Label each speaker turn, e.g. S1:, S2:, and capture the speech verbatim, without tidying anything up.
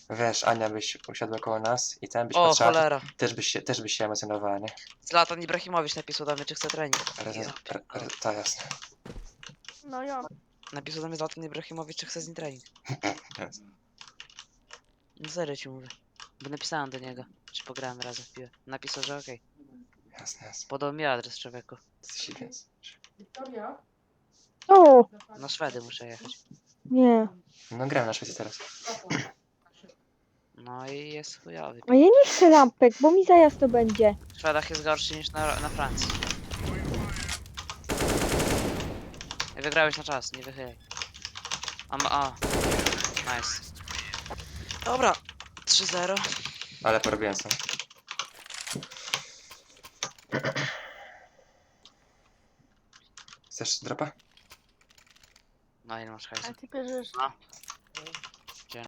S1: Wiesz, Ania byś usiadła koło nas i ten byś
S2: O,
S1: patrzyła,
S2: cholera.
S1: też byś się, też byś się emocjonowała, nie?
S2: Zlatan Ibrahimowicz napisał do mnie, czy chce trening.
S1: Reza,
S2: Ja
S1: re, re, to jasne.
S3: No ja.
S2: Napisał do mnie Zlatan Ibrahimowicz, czy chce z nim trening.
S1: Jasne.
S2: No serio ci mówię. Bo napisałem do niego, czy pograłem razem w piłę. Napisał, że okej.
S1: Jasne, jasne.
S2: Podał mi adres człowieku.
S1: Jesteś więc.
S3: Wiktoria? O!
S2: Na Szwedy muszę jechać.
S3: Nie.
S1: No gram na Szwecji teraz.
S2: No i jest chujowy.
S3: A ja nie chcę lampek, bo mi zajazd to będzie.
S2: W Szwedach jest gorszy niż na, na Francji. I wygrałeś na czas, nie wychylaj. A, ma- a. Nice. Dobra. trzy zero.
S1: Ale porobiłem co. Chcesz dropa?
S2: No ile masz hajsu?
S3: A ty bierzesz...